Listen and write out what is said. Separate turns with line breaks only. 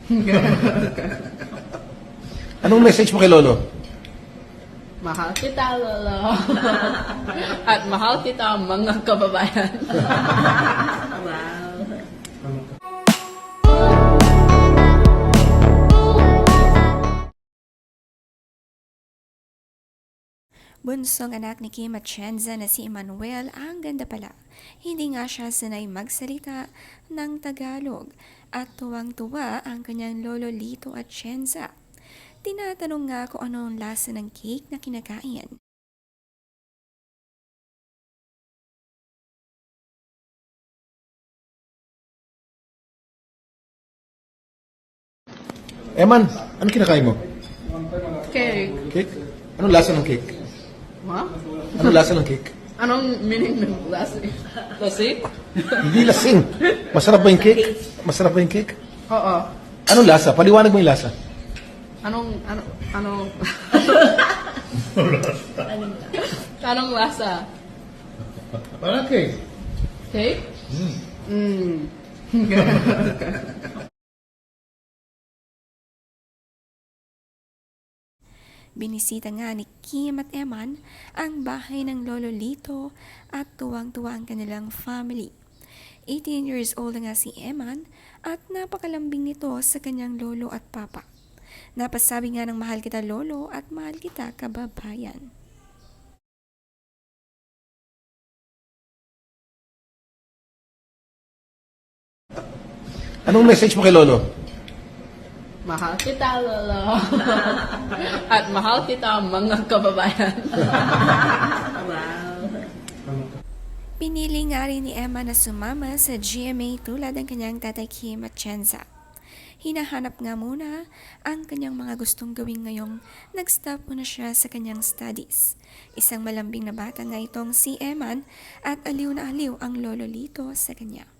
Anong message mo kay Lolo?
Mahal kita, Lolo. At mahal kita, mga kababayan.
Bunsong anak ni Kim Atienza na si Emmanuel ang ganda pala. Hindi nga siya sanay magsalita ng Tagalog at tuwang-tuwa ang kanyang lolo Lito Atienza. Tinatanong nga kung ano ang lasa ng cake na kinakain.
Eman, ano kinakain mo?
Cake.
Cake? Anong lasa ng cake?
Ha?
Anong lasa ng cake?
Anong meaning ng lasik? Lasik?
Hindi lasing. Masarap ba yung cake? Masarap ba yung cake?
Oo.
Anong lasa? Paliwanag mo yung lasa.
Anong Anong lasa?
Parang cake.
Cake?
Binisita nga ni Kim at Eman ang bahay ng lolo Lito at tuwang-tuwa ang kanilang family. 18 years old nga si Eman at napakalambing nito sa kanyang lolo at papa. Napasabi nga ng mahal kita lolo at mahal kita kababayan.
Anong message mo kay Lolo?
Mahal kita, Lolo. At mahal kita, mga kababayan.
Pinili nga rin ni Emma na sumama sa GMA tulad ng kanyang tatay Kim Atienza. Hinahanap nga muna ang kanyang mga gustong gawin ngayong nag-stop muna siya sa kanyang studies. Isang malambing na bata nga itong si Eman at aliw na aliw ang lolo Lito sa kanya.